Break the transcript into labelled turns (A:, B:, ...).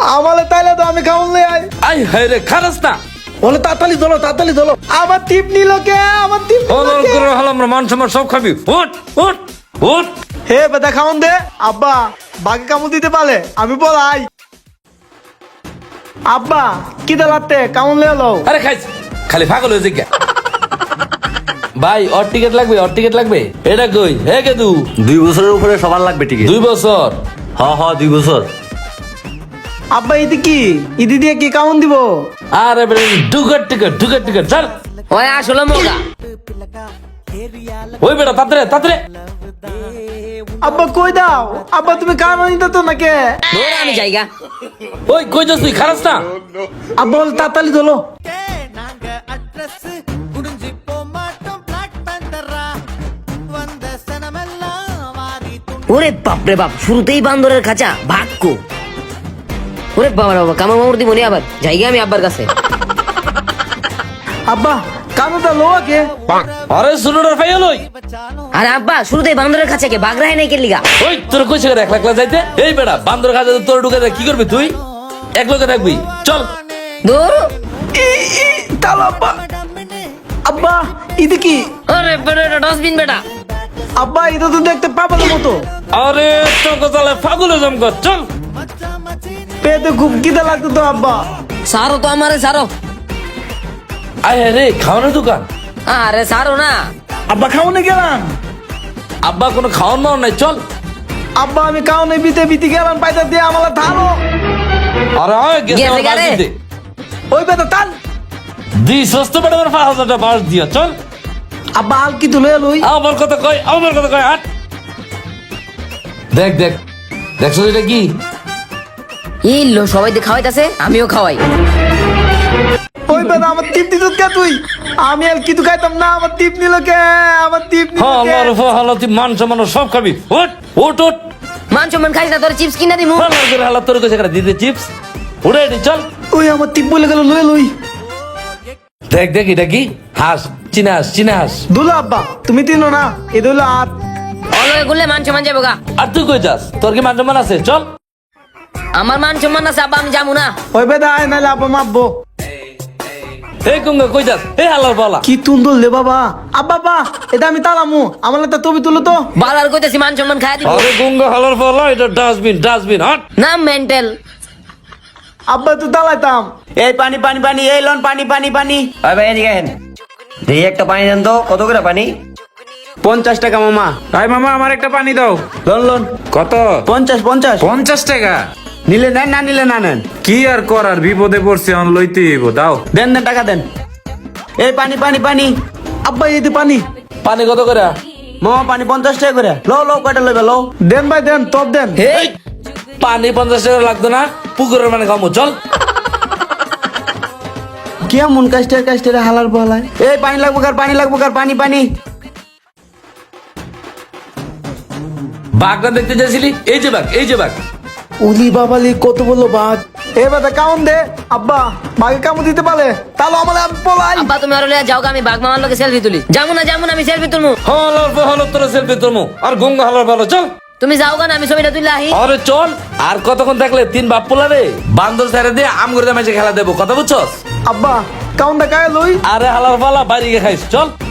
A: আমালে তাইলে তো আমি খাউন লই আই
B: আই হায় রে খারাস না
A: বলে তাড়াতাড়ি ধরো আমার টিপ নিল কে আমার টিপ নিল
B: হল
A: কে?
B: করে হলাম মান সম্মান সব খাবি উঠ উঠ উঠ
A: হে বেটা খাউন দে আব্বা বাকি কামড় দিতে পারে আমি বলাই আব্বা কি দালাতে কামড় লই লো
B: আরে খাইছ খালি পাগল হয়ে জিজ্ঞা ভাই ওর টিকিট লাগবে এটা কই হে কেদু
C: 2 বছরের উপরে সবার লাগবে টিকিট
B: 2 বছর
C: হ 2 বছর।
A: আব্বা ইদি কি ইদি দিয়ে কি কামড় দিব
B: আরে বেরে ঢুকার টিকিট চল
D: ওই আসলে মোগা
B: ওই বেটা তাড়াতাড়ি
A: আব্বা কই দাও আব্বা তুমি কামড় নিতে তো নাকি
D: ধরে আমি জায়গা
B: ওই কই যাস তুই খারাস না
A: আব্বা বলে তাড়াতাড়ি ধরো
D: ওরে বাপ রে বাপ শুরুতেই বান্দরের খাঁচা ভাগ্য ওরে বাবা রে বাবা কামড় মামড় দিব নি আবার জায়গা আমি আব্বার কাছে
A: আব্বা কামড়টা লো কে
B: আরে শুনুটার ফাইয়া লই
D: আরে আব্বা শুরুতেই বান্দরের খাঁচা কে বাগরাই নাই কে লিগা
B: ওই তোর কইছে করে একলা যাইতে এই বেটা বান্দর কাছে তোর ঢুকে যায় কি করবি তুই এক লোকে থাকবি চল
D: দূর
A: তালো আব্বা আব্বা ইদি কি
D: আরে বেটা এটা ডাস্টবিন বেটা
A: আব্বা এটা তো দেখতে পাগলের মতো
B: আরে তোকে তাহলে ফাগুলে জমকর চল
A: পেটে খুব খিদে লাগতো তো আব্বা
D: সারো তো আমারে সারো
B: আয় রে খাওয়ানোর দোকান
D: আরে সারো না
A: আব্বা খাওনে গেলাম
B: আব্বা কোনো খাওয়ান মাওয়ান নাই চল
A: আব্বা আমি খাওনে বিতে গেলাম পাইতা দিয়ে আমালা থারো
B: আরে আয় গেছে
D: গেছে
B: আমার
D: গেলে।
B: বাড়িতে
A: ওই বেটা টান
B: দি সস্ত বেটা আমার 5000 টাকা বাস দিয়া চল
A: আব্বা আল কি তুলে লই
B: আমার কথা কই হাট দেখ দেখছো এটা কি
D: ইল্লো সবাই দিয়ে খাওয়াইতাছে আমিও খাওয়াই
A: ওই বেটা আমার টিপ দিত কে তুই আমি আর কিছু খাইতাম না আমার টিপ নিল কে আমার টিপ নিল
B: হ্যাঁ
A: কে
B: আল্লাহর হালাতি মান সম্মান সব খাবি ওট
D: মান সম্মান খাইস না তোর চিপস কিনা দিমু
B: আল্লাহর করে হালাত তোর কাছে করে দিতে চিপস উড়ে এটি চল
A: ওই আমার টিপ বলে গেল লই
B: দেখ এটা কি হাস চিনাস
A: দুলা আব্বা তুমি তিনো না এ দুলা আর
D: অলয় গুলে মান সম্মান যাবো গা
B: আর তুই কই যাস তোর কি মান সম্মান আছে চল
D: আমার মান সম্মান আছে আব্বা আমি যাবো না
A: ওই বেটা আয় নাইলে আব্বা মারবো
B: এই কুঙ্গা কই যাস এই হালার পালা
A: কি তুন্দল লে বাবা আব্বা বা এটা আমি তালামু আমার একটা ছবি তুলো তো
D: বালার কইতাছি মান সম্মান খাই দিব
B: আরে কুঙ্গা হালার পালা এটা ডাস্টবিন হট
D: না মেন্টাল
A: আব্বা তো তালাইতাম
C: এই পানি এই লন পানি ভাই এদিকে আহেন এই একটা পানি দেন তো কত করে পানি 50 টাকা মামা
E: ভাই মামা আমার একটা পানি দাও
C: লন
E: কত
C: 50
E: 50 টাকা
C: নিলে নেন না নিলে না নেন
E: কি আর করার বিপদে পড়ছে অন লইতে হইব দাও
C: দেন টাকা দেন এই পানি
A: আব্বা এই দি পানি
B: পানি কত করে
C: মামা পানি 50 টাকা করে লো কয়টা লইবে লো
A: দেন ভাই দেন টপ দেন
B: এই পানি 50 টাকা লাগতো না পুকুরের মানে খামু চল
C: কেমন কাস্টের হালার বলায় এই পানি লাগবো কার পানি
B: বাঘটা দেখতে চাইছিলি এই যে বাঘ
A: উলি বাবালি কত বললো বাঘ এ বেটা কাউন দে আব্বা বাঘে কামু দিতে পারে তাহলে আমার আমি পলাই
D: আব্বা তুমি আর লিয়া যাও গা, আমি বাঘ মামার লগে সেলফি তুলি যাবো না আমি সেলফি তুলমু
B: হলো তোর সেলফি তোরমু আর গঙ্গা হালার ভালো চল
D: তুমি যাও গা না আমি ছবিটা তুলে আহি
B: আরে চল আর কতক্ষণ থাকলে 3 বাপ পোলা রে বান্দর ছেড়ে দিয়ে আম করে মাঝে খেলা দেবো কথা বুঝছস
A: আব্বা কাউন দা কায় লই
B: আরে হালার পালা বাইরে গিয়ে খাইস চল